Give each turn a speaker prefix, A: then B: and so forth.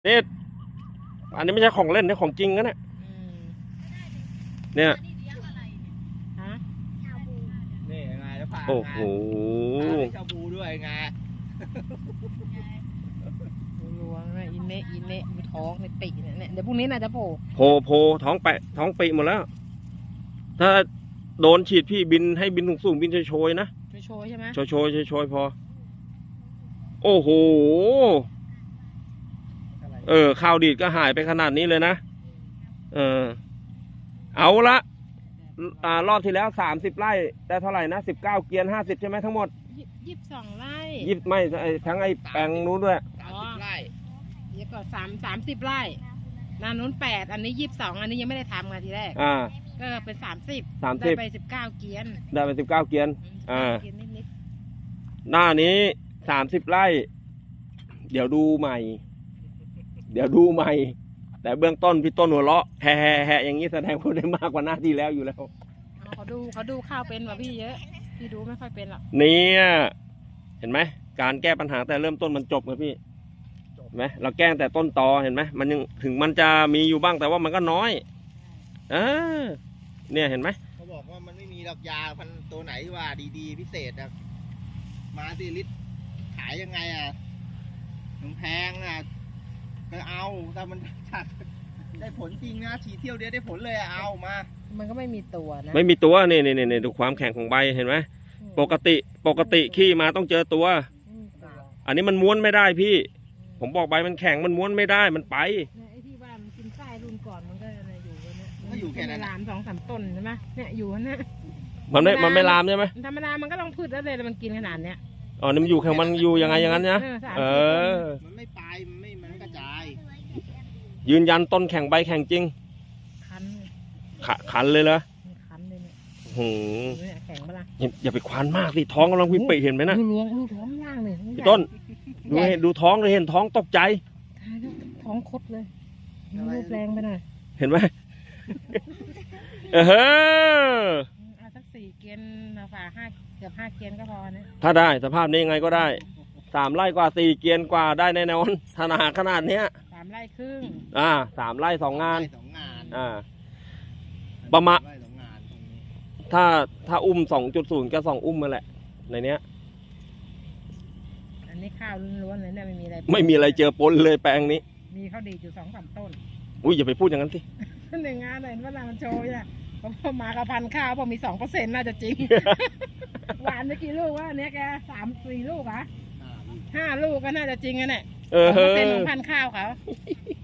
A: นี่อันนี้ไม่ใช่ของเล่นนี่ของจริงนะเนี่ยเนี่ย
B: ฮะ
C: นี่ไงจะผ่า
A: โอ้โห
C: ชาบูด้วยไง
B: รวงนะอินเนะมีท้องในปีกเนี่ยเดี๋ยวพรุ่งนี้น่าจะโผล่
A: โพท้องแปะท้องปีหมดแล้ว ถ้าโดนฉีดพี่บินให้บินสูงบินโชยๆนะ
B: โชยใช่ไหม
A: โชยพอ โอ้โหข้าวดีดก็หายไปขนาดนี้เลยนะเอาละรอบที่แล้ว30 ไร่ได้เท่าไหร่นะ19 เกียร์50ใช่ไหมทั้งหมด
B: 22 ไร่
A: ไม่ทั้งไอ้แปลงนู้นด้วย
C: 30 ไร่
B: เดี๋ยวก่อน30 ไร่นานู้น8อันนี้22อันนี้ยังไม่ได้ทำไงทีแรกก็เป็น30ได้ไป19 เกียร์
A: ได้ไป19 เกียร์
B: เกียร์นิด
A: หน้านี้30 ไร่ เดี๋ยวดูใหม่ แต่เบื้องต้นพี่ต้นหัวเราะแฮ่อย่างนี้แสดงว่าได้มากกว่าหน้าที่แล้วอยู่แล้ว
B: เขาดูข้าวเป็นกว่าพี่เยอะพี่ดูไม่ค่อยเป็นหรอก
A: เนี่ยเห็นไหมการแก้ปัญหาแต่เริ่มต้นมันจบเลยพี่เห็นไหมเราแก้แต่ต้นตอเห็นไหมมันยังถึงมันจะมีอยู่บ้างแต่ว่ามันก็น้อยเนี่ยเห็นไหม
C: เขาบอกว่ามันไม่มีดอกยาพันตัวไหนว่าดีๆพิเศษนะมาสิลิตรขายยังไงแพงก็เอาถ้ามันได้ผลจริงนะฉีดเที่ยวเดียวได้ผลเลยเอามา
B: มันก็ไม่มีตัวนะ
A: ไม่มีตัวนี่ดูความแข็งของใบเห็นไหมปกติขี้มาต้องเจอตัวอันนี้มันม้วนไม่ได้พี่ผมบอกใบมันแข็งมันม้วนไม่ได้มันไป
B: ไอ้ที่ว่ามันกินไส้รุ่นก่อนมันก็อยู่เนี่ย
C: ก็อยู่แค่นั้น
B: ลาม2-3 ต้นใช่ไหมเนี่ยอยู่นะ
A: มันไม่ลามใช่ไหม
B: ธรรมดามันก็ต้องพืชแล้วเลยมันกินขนาดเนี้ย
A: อ๋อนี่มันอยู่แข็งมันอยู่ยังไงอย่างนั้นนะ
C: มันไม่ไปมันไม่กระจาย
A: ยืนยันต้นแข็งใบแข็งจริงขันเลยเหรอ
B: ขันเลยเนี่ยแข็งปะล่ะ
A: อย่าไปควานมากสิท้องกำลังวิปริเห็นไหมนะ
B: ดูท้องล่างเลย
A: พี่ต้นดูท้องเลยเห็นท้องตกใจ
B: ท้องคดเลยรูปแรงไปหน่อย
A: เห็นไหม
B: สัก4 เกียร์ฝ่าเกือบ5 เกียร์ก็พอนะ
A: ถ้าได้สภาพนี้ยังไงก็ได้3 ไร่กว่า4 เกียร์กว่าได้แน่นอนถ้าหนาขนาดเนี้ย
B: 3 ไร่ครึ่ง
A: 3 ไร่2 งานประมาณถ้าอุ้ม 2.0 ก็2 อุ้มมาแหละในเนี้ย
B: อันนี้ข้าวล้วนๆเลยเนี่ยไม่มี
A: อะไรเจอปนเลยแปลงนี้
B: มีข้าวดีอยู่2-3 ต้น
A: อุ้ยอย่าไปพูดอย่างนั้นสิ
B: หนึ่งงานเห็นว่ามันโชว์เนี่ยพอมากับพันข้าวพอมี 2% น่าจะจริง หวานไปกี่ลูกวะเนี้ยแก3-4 ลูก5 ลูกก็น่าจะจริงนะเนี่ย2%ของพันข้าวเขา